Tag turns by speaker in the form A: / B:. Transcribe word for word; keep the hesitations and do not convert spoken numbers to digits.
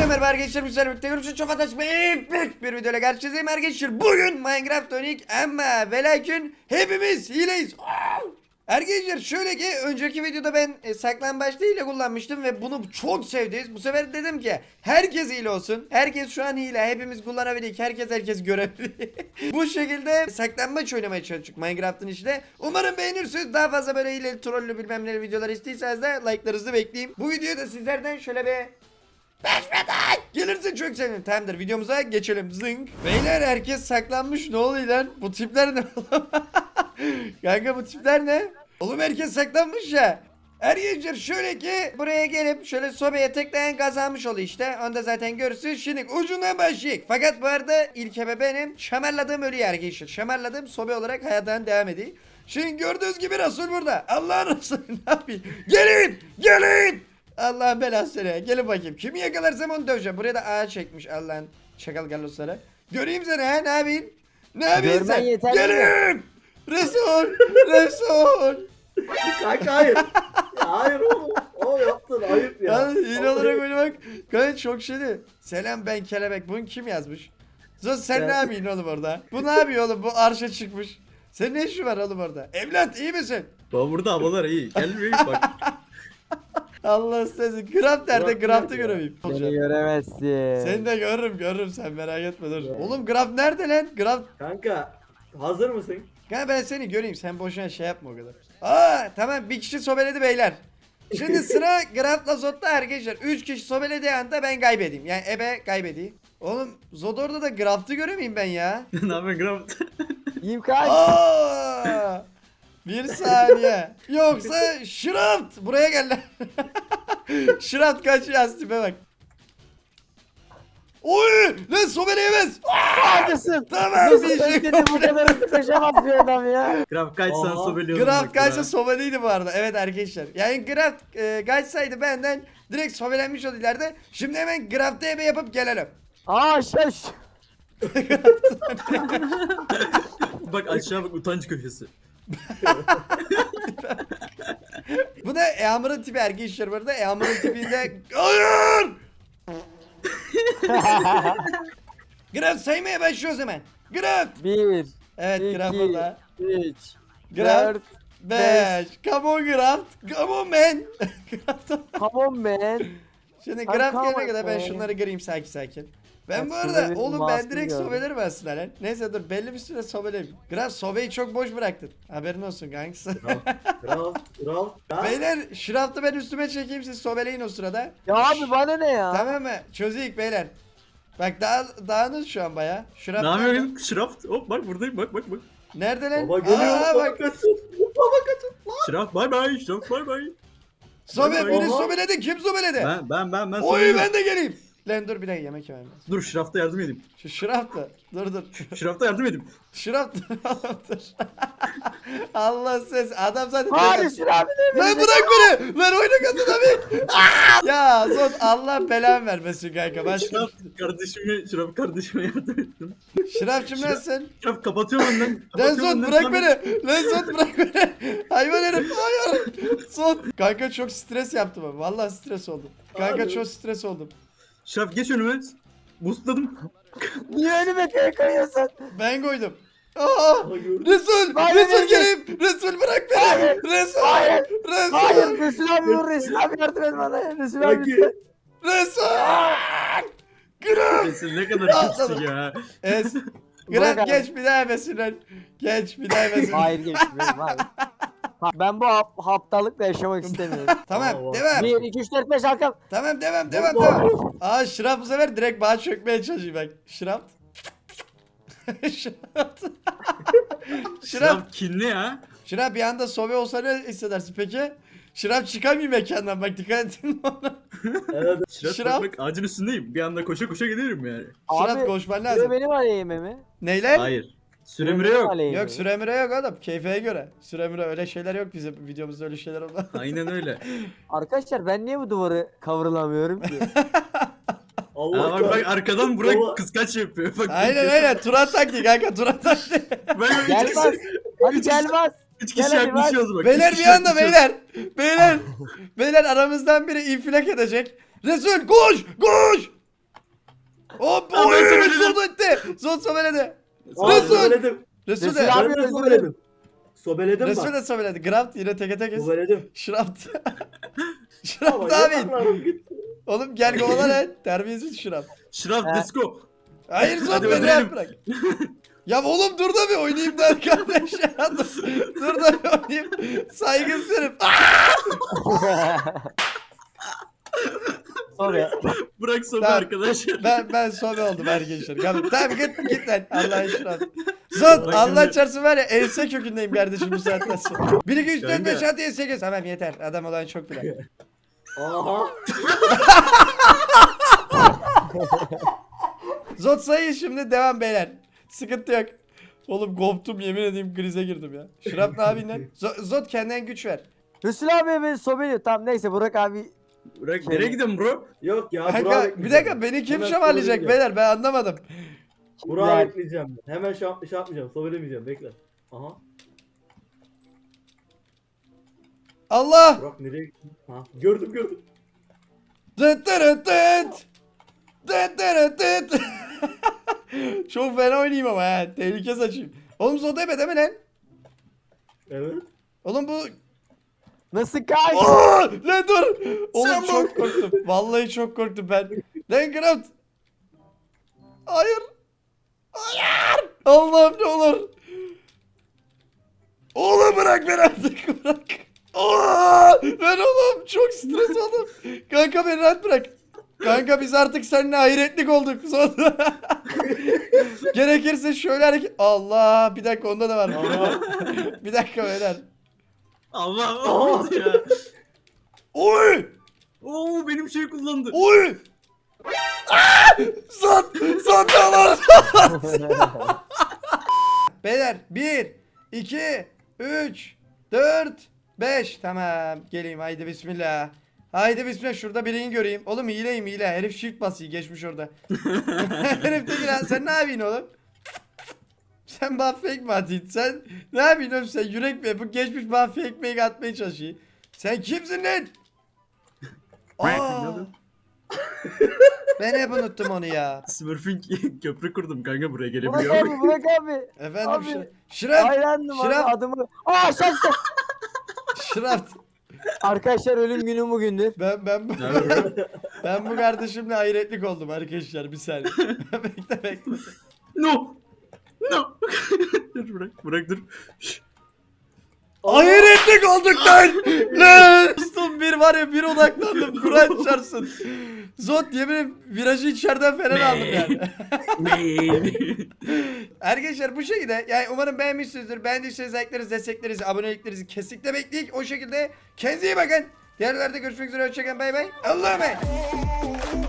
A: Hepinize merhaba arkadaşlar, güzel birlikte görüşürüz. Çok fantastik büyük bir videoyla karşınızdayım arkadaşlar. Bugün Minecraft Onik ama ve lakin hepimiz hileyiz. Arkadaşlar şöyle ki önceki videoda ben e, saklambaçta hile kullanmıştım ve bunu çok sevdiniz. Bu sefer dedim ki herkes hile olsun. Herkes şu an hile, hepimiz kullanabilir. Herkes herkes görebilir. Bu şekilde saklambaç oynamaya çalıştık Minecraft'ın işte. Umarım beğenirsiniz. Daha fazla böyle hileli, trollü bilmem ne videolar istiyorsanız da like'larınızı bekleyeyim. Bu videoyu da sizlerden şöyle bir beş metre gelirse çok sevinirim. Tamamdır, videomuza geçelim. Zınk. Beyler herkes saklanmış, ne oluyor lan? Bu tipler ne oğlum? Kanka bu tipler ne? Oğlum herkes saklanmış ya. Arkadaşlar şöyle ki buraya gelip şöyle sobeye tıklayan kazanmış oluyor işte. Onu da zaten görürsünüz. Şimdi ucundan başlayık. Fakat bu arada ilk ebe benim. Şamarladığım ölüyor arkadaşlar. Şamarladığım sobe olarak hayattan devam ediyor. Şimdi gördüğünüz gibi Resul burada. Allah'ın Resulü ne yapayım? Gelin! Gelin! Allah'ın belası seni. Gelin bakayım. Kimi yakalarsam onu döveceğim. Buraya da ağa çekmiş Allah'ın çakal gallosları. Göreyim seni ha, ne yapayım? Ne yapayım
B: Görmen
A: sen?
B: yeterli
A: Gelin! Resul! Resul!
C: Kanka hayır. Ya hayır oğlum. O yaptın ayıp ya.
A: Ya yine
C: Vallahi-
A: olarak böyle bak. Gayet çok şeydi. Selam ben kelebek. Bunu kim yazmış? Zos sen
B: Ben-
A: ne yapıyorsun oğlum orada? Bu ne yapıyor oğlum? Bu arşa çıkmış. Senin ne işin var oğlum orada? Evlat iyi misin?
C: Baba burada havalar iyi. Gel bir bak.
A: Allah sizi. Craft nerede?
C: Craft
A: Craft'ı
C: nerede ya?
A: göremeyim.
B: Beni göremezsin.
A: Seni de görürüm görürüm, sen merak etme dur.
C: Ya.
A: Oğlum Graf nerede lan? Graf.
C: Kanka hazır mısın?
A: Kanka ben seni göreyim, sen boşuna şey yapma o kadar. Aa tamam, bir kişi sobeledi beyler. Şimdi sıra Graf'la Zod'da arkadaşlar. üç kişi sobelediği anda ben kaybedeyim. Yani ebe kaybedeyim. Oğlum Zod orada da Graf'ı göremeyeyim ben ya.
C: ne yapıyorsun Gram?
B: İmkan.
A: Aa! Bir saniye. Yoksa Şıraft buraya gel lan. Şıraft kaçıyor tipe bak. Oy! Lan sobeleyemez.
B: Neredesin?
A: Tamam,
B: Nasıl
A: bir şey
B: bekledin bu kadar hızlı koşamaz bir adam ya.
C: Gram kaç sen
A: Aha.
C: sobeliyordun.
A: Graf kaçsa sobeliydi bu arada. Evet arkadaşlar. Yani Graf e, kaçsaydı benden direkt sobelenmiş oldu ileride. Şimdi hemen Graf'ta ebe yapıp gelelim.
B: Aa şaş.
C: Bak aşağı bak, utanç köşesi.
A: Bu da Eamur'un tipi arkadaşlar bu arada. Eamur'un tipinde... Hayır! Graf saymaya başlıyoruz hemen. Graf!
B: Bir,
A: Evet Graf
B: iki,
A: burada.
B: üç,
A: Graf
B: dört.
A: beş. Come on Graf. Come on man. Graf da-
B: Come on man.
A: Şimdi
B: Come
A: Graf
B: on,
A: gelene kadar ben
B: man.
A: şunları göreyim sakin sakin. Ben
B: Bak,
A: bu
B: şurada
A: arada
B: bir
A: oğlum ben
B: masum
A: direkt
B: gördüm.
A: sobelerim aslında lan. Neyse dur, belli bir süre sobeleyim. Graf sobeyi çok boş bıraktın. Haberin olsun kanks.
C: Kral, kral. Ya.
A: Beyler şıraftı ben üstüme çekeyim, siz sobeleyin o sırada.
B: Ya abi bana ne ya?
A: Tamam mı? Çözeyik beyler. Bak dağ, dağınız şu an baya. Şıraft
C: Ne
A: nerede?
C: yapıyorsun? Şıraf. Hop bak buradayım, bak bak bak.
A: Nerede lan?
C: Baba geliyor.
A: Aa,
C: Baba
A: bak.
C: kaçın. Baba kaçın.
A: Şıraf.
C: Bay bay. Şıraf bay bay.
A: Sobe
C: Bak,
A: biri
C: oha.
A: sobeledi. Kim sobeledi?
C: Ben ben ben ben
A: Oy
C: sobeliyim.
A: ben de geleyim. Lan dur bir dakika, yemek yemem lazım.
C: Dur Şıraf'ta yardım edeyim.
A: Şu şıraftı. Dur dur.
C: Şıraf'ta yardım edeyim.
A: Şıraftı. dur. Allah ses. Adam zaten.
B: Hayır Şir abi de
A: Lan bırak beni. Lan oyna kadın abi. Aa! Ya Zod Allah belanı vermesin kanka. Ben
C: Şıraf kardeşime, Şıraf kardeşime yardım ettim.
A: Şırafçım
C: Şıraf-
A: nasılsın?
C: Şıraf kapatıyorum önden.
A: Lan
C: kapatıyorum
A: Zod
C: önden,
A: bırak
C: tamam.
A: beni. Lan Zod bırak beni. Hayvan herif. Hayır. Zod. Kanka çok stres yaptım ben. Vallahi stres oldum. Kanka
C: Abi.
A: çok stres oldum.
C: Şıraf geç önüme. Boostladım.
B: niye önüme köye koyuyorsun?
A: Ben koydum. Aa!
C: Aha, gördüm.
A: Resul!
B: Hayır,
A: Resul
B: hayır.
A: geleyim! Resul bırak beni!
B: Hayır.
A: Resul!
B: Hayır.
A: Resul!
B: Hayır Resul abi vur Resul abi yardım et bana. Resul abi
C: Peki.
B: lütfen.
A: Resul! Graf!
C: Resul ne kadar
A: Atladım.
C: kötüsün ya.
A: Es.
B: Bırak
A: Graf
B: abi.
A: geç bir daha yemesinler. Geç bir daha yemesinler.
B: Hayır geçmiyorum abi. Ha, ben bu hap, haptalıkla yaşamak istemiyorum.
A: Tamam
C: Allah.
A: devam.
B: bir, iki, üç, dört, beş Hakan.
A: Tamam devam devam
C: Allah.
A: devam. Aa Şıraf bu sefer direkt bana çökmeye çalışıyor bak. Şıraf. Şıraf. Şıraf.
C: Şıraf kinli ya.
A: Şıraf bir anda sobe olsa ne hissedersin peki? Şıraf çıkamıyor mekandan bak, dikkat edin ona.
C: Evet. Şıraf,
A: Şıraf.
C: bak, bak ağacın üstündeyim. Bir anda koşa koşa giderim yani.
A: Şıraf
B: Abi,
A: koşman
B: Süre
A: lazım.
B: benim aleyhime mi?
A: Neyler?
C: Hayır. Süremire yok.
A: Yok süremire yok oğlum. Keyfeye göre. Süremire öyle şeyler yok bizim videomuzda, öyle şeyler olmaz.
C: Aynen öyle.
B: Arkadaşlar ben niye bu duvarı kavrulamıyorum ki?
C: Aa, bak, bak arkadan Burak
D: Baba.
C: kıskaç yapıyor. Bak,
A: Aynen aynen. Turan taktiği kanka, Turan taktiği.
C: Bak, bak, üç
B: Gelmez.
C: kişi,
B: Hadi gelmez.
C: üç
B: Gel
C: kişi
B: hadi,
C: yaklaşıyoruz bak.
A: Beyler
C: üç
A: bir
C: kişi
A: anda
C: yaklaşıyoruz.
A: beyler. Beyler. Beyler aramızdan biri infilak edecek. Resul koş koş. Hop
D: Ben
A: oy
D: sobeledim.
A: Zod etti. Zod sobeledi.
C: Aa,
A: Resul.
C: sobeledim.
A: Resul
B: Resul
A: de.
B: abi.
C: Ben de sobeledim. Sobeledim
A: Resul
C: bak.
A: de sobeledi. Graft yine teke tek.
C: Sobeledim.
A: Şıraft.
C: Ama
A: Şıraft abi.
C: yataklarım gitti.
A: Oğlum gel kovala lan. Terbiyesiz Şıraft.
D: Şıraf
B: He.
D: let's go.
A: Hayır Zod
D: Hadi
A: beni
D: öldürelim.
A: rahat bırak. Ya oğlum dur da bir oynayayım der kardeş ya. Dur, dur da bir oynayayım. Saygısız herif.
B: Sonra.
D: Bırak sobe
A: Tamam.
D: arkadaşlar.
A: Ben ben sobe oldum arkadaşlar. Tamam, tamam git git lan. Allah'a şükür. Zod
D: Bak
A: Allah
D: şimdi-
A: çarpsın var ya ense kökündeyim kardeşim bu saatten sonra. bir iki üç dört
D: Kanka.
A: beş altı yedi sekiz. Tamam yeter. Adam olan çok bile.
C: Aha.
A: Zod sayı şimdi devam beyler. Sıkıntı yok. Oğlum koptum yemin edeyim krize girdim ya. Şırap ne yapayım lan? Zo- Zod kendinden güç ver.
B: Resul abi beni sobeliyor. Tamam neyse Burak abi.
D: Bırak nereye gidiyorsun bro?
C: Yok ya.
A: Kanka
C: Burak'ı
A: bir dakika beni kim
C: Hemen
A: şamarlayacak
C: sobeleyeceğim.
A: beyler ben anlamadım.
C: Burak'ı
B: Güzel.
C: bekleyeceğim. Hemen şey, yap- şey yapmayacağım. Sobelemeyeceğim. Bekle. Aha.
A: Allah!
C: Burak nereye gitti? Ha. Gördüm gördüm.
A: Dıt dırıt dıt. Dıt dırıt dıt. Çok fena oynayayım ama ha. Tehlike saçayım. Oğlum Zod ebe değil mi lan?
C: Evet.
A: Oğlum bu...
B: Nasıl kaç?
A: Aa, lan dur. Oğlum
D: Sen
A: çok korktum. Vallahi çok korktum ben. Lan Graft. Hayır. Hayır. Allah'ım ne olur. Oğlum bırak beni artık bırak. Aa, lan oğlum çok stres oldum. Kanka beni rahat bırak. Kanka biz artık seninle hayretlik olduk. Sonra gerekirse şöyle hareket. Allah bir dakika onda da var. Bir dakika beyler.
D: Allah olmadı ya.
A: Oy!
D: Oo benim şey kullandı.
A: Oy! Aa! Zat! Zat ne olur? Beyler bir, iki, üç, dört, beş. Tamam geleyim haydi bismillah. Haydi bismillah şurada birini göreyim. Oğlum hileyim hile. Herif shift basıyor geçmiş orada. Herif de lan sen ne yapıyorsun oğlum? Sen bana fake mi atıyorsun? Sen ne yapıyorsun oğlum sen yürek mi? Bu geçmiş bana fake make atmaya çalışıyor. Sen kimsin lan? Aa, ben hep unuttum onu ya.
D: Smurfing köprü kurdum kanka buraya
B: Burak
D: gelebiliyor.
B: abi Burak abi.
A: Efendim
B: Abi.
A: şi- Şırap.
B: Hayrandım abi
A: Şırap.
B: adımı. Aa şaştı.
A: Şırap.
B: Arkadaşlar ölüm günü bugündür.
A: Ben ben bu ben bu kardeşimle hayretlik oldum arkadaşlar bir saniye. bekle bekle.
D: No. No. dur bırak bırak dur. Şşş.
A: Hayretlik olduk lan. Lan. Dostum bir var ya bir odaklandım. Kur'an çarpsın. Zot yemin virajı içeriden falan aldım yani. Arkadaşlar bu şekilde yani umarım beğenmişsinizdir. Beğendiyseniz like'larınızı, desteklerinizi, aboneliklerinizi kesinlikle bekleyik. O şekilde kendinize iyi bakın. Diğerlerde görüşmek üzere. Hoşçakalın. Bay bay. Allah'a emanet.